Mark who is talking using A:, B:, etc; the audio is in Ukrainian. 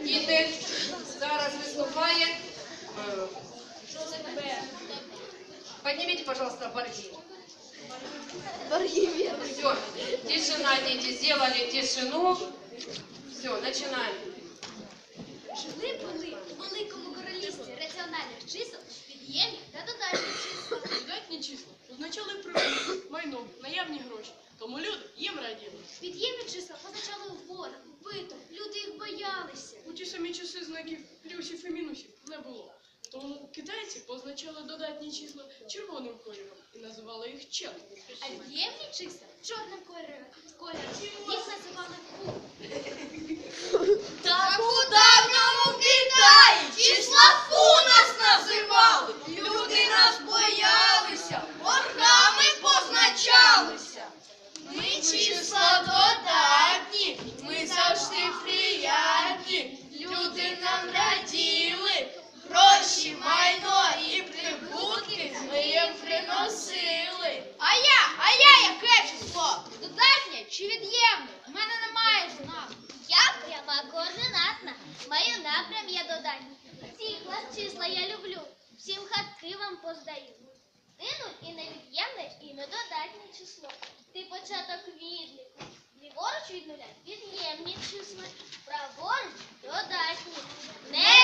A: Діти, зараз виступає. Поднимите, пожалуйста, борги.
B: Борги вверх.
A: Все, тишина, дети, сделали тишину. Все, начинаем.
B: Жили-були у великому королівстві раціональних чисел, від'ємних та додатніх чисел.
C: Додатні числа означали прибуток, майно, наявні гроші. Тому люди їм раділи.
B: Від'ємні числа позначали ворог, биток, люди їх боялися.
C: У ті самі часи знаків плюсів і мінусів не було. Тому китайці позначали додатні числа червоним кольором і називали їх чен.
B: А від'ємні числа чорним кольором. Їх називали фу.
D: Так у давньому Китаї числа фу нас називали. Люди нас боялися, ворогами позначалися. Ми числа додатні, ми завжди приятні. Люди нам раділи, гроші, майно і прибутки ми їм приносили.
B: А я яке число? Додатнє чи від'ємне? У мене немає знаку.
E: Я пряма координатна. Маю напрям я додатній. Ці клас числа я люблю. Всім хатки вам поздаю. Нуль і невід'ємне, і недодатнє число. Ти початок відліку. Ліворуч від нуля від'ємні числа. Праворуч додатні. Не